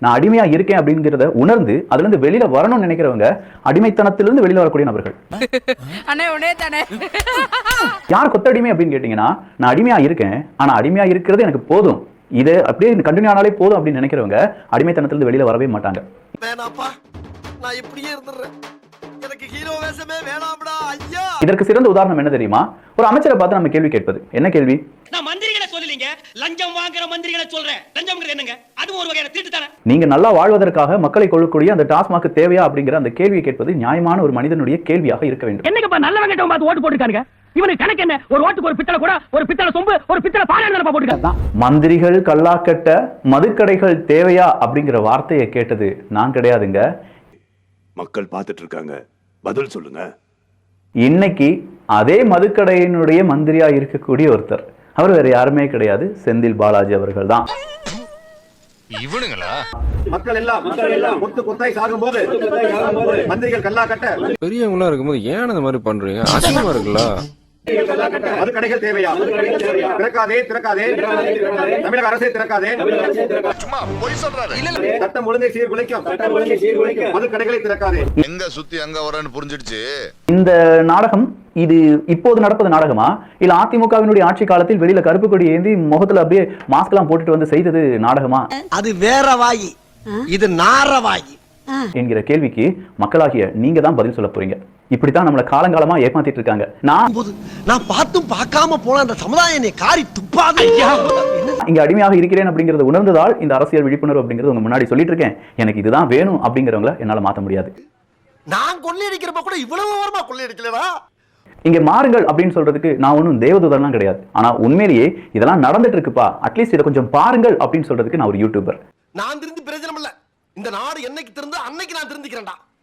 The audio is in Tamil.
நான் அடிமையா இருக்கேன் அப்படிங்கிறத உணர்ந்து அதுல இருந்து வெளியில வரணும்னு நினைக்கிறவங்க அடிமைத்தனத்திலிருந்து வெளியில வரக்கூடிய நபர்கள். யார் கொத்தடிமை அப்படின்னு கேட்டீங்கன்னா, நான் அடிமையா இருக்கேன், ஆனா அடிமையா இருக்கிறது எனக்கு போதும், இது அப்படியே கண்டினியூ ஆனாலே போதும் அப்படின்னு நினைக்கிறவங்க அடிமைத்தனத்திலிருந்து வெளியில வரவே மாட்டாங்க. நான் இப்படியே இருந்துறேன், எனக்கு ஹீரோ வேஷமே வேணாம்டா ஐயா. இதற்கு சிறந்த உதாரணம் என்ன தெரியுமா? ஒரு அமைச்சரை பார்த்து நம்ம கேள்வி கேட்பது. என்ன கேள்வி? நான் மந்திரிகளை சொல்லலீங்க, லஞ்சம் வாங்குற மந்திரிகளை சொல்றேன். லஞ்சம்ங்கிறது என்னங்க? அது ஒரு வகையான திருட்டு தானே. நீங்க நல்லா வாழ்வதற்காக மக்களை கொள்ளக்கூடிய அந்த டாஸ்மாக் தேவையா அப்படிங்கிற அந்த கேள்வியை கேட்பது நியாயமான ஒரு மனிதனுடைய கேள்வியாக இருக்க வேண்டும். என்னங்கப்பா நல்லவங்க பார்த்து ஓட்டு போட்டுருக்காங்க. இவனுக்கு கணக்கு என்ன? ஒரு ஓட்டுக்கு ஒரு பித்தளை கூட, ஒரு பித்தளை சொம்பு, ஒரு பித்தளை பானை போட்டுருக்காங்க. மந்திரிகள் கல்லாக்கட்ட மதுக்கடைகள் தேவையா அப்படிங்கிற வார்த்தையை கேட்டது நான் கிடையாதுங்க. மக்கள் பார்த்துட்டு இருக்காங்க, பதில் சொல்லுங்க. இன்னைக்கு அதே மதுக்கடையினுடைய மந்திரியா இருக்கக்கூடிய ஒருத்தர், அவர் வேற யாருமே கிடையாது, செந்தில் பாலாஜி அவர்கள் தான். இவனுங்களா? மக்கள் எல்லாம் கொத்து கொத்தாய் சாகும்போது மந்திரிகள் கல்லா கட்ட பெரியவங்களா இருக்கும்போது ஏன் அந்த மாதிரி பண்றீங்க? அசிங்கமா இருக்குல்ல. அது கடைகள் தேவையா? திறக்காதே திறக்காதே, தமிழக அரசே திறக்காதே. சும்மா போய் சொல்றாரு. சட்டம் ஒழுங்கை சீர்குலைக்கும் மது கடைகளை திறக்காதே. எங்க சுத்தி அங்க வரன்னு புரிஞ்சிடுச்சு. இந்த நாடகம் இது இப்போது நடப்பது நாடகமா, இல்ல அதிமுகவினுடைய ஆட்சி காலத்தில் வெளியில கருப்பு கொடி ஏந்தி முகத்துல அப்படியே மாஸ்க் எல்லாம் போட்டுட்டு வந்து செய்தது நாடகமா? அது வேற வாயி, இது நார வாயி என்கிற கேள்விக்கு மக்களாகிய நீங்க தான் பதில் சொல்ல போறீங்க. இப்படித்தான் நம்மள காலங்காலமா ஏமாத்திட்டு இருக்காங்க. நான் பார்த்தும் பார்க்காம போன அந்த சமுதாயம் என்னை காரி துப்பாது. இங்க அடிமையாக இருக்கிறேன் அப்படிங்கறத உணர்ந்ததால் இந்த அரசியல் விழிப்புணர்வு அப்படிங்கறது உங்க முன்னாடி சொல்லிட்டு இருக்கேன். எனக்கு இதுதான் வேணும் அப்படிங்கறவங்கள என்னால மாத்த முடியாது. நான் கொள்ளையடிக்கிறப்ப கூட இவ்வளவு ஓரமா கொள்ளையடிக்கலடா. இங்க மாறுங்கள் அப்படின்னு சொல்றதுக்கு நான் ஒன்றும் தேவதூதர்லாம் கிடையாது. ஆனா உண்மையிலேயே இதெல்லாம் நடந்துட்டு இருக்குப்பா, அட்லீஸ்ட் இதை கொஞ்சம் பாருங்கள் அப்படின்னு சொல்றதுக்கு நான் ஒரு யூடியூபர். நான் திருந்து பிரயோஜனம் இல்ல. இந்த நாடு என்னைக்கு திருந்து அன்னைக்கு நான் திருந்திக்கிறேன்டா.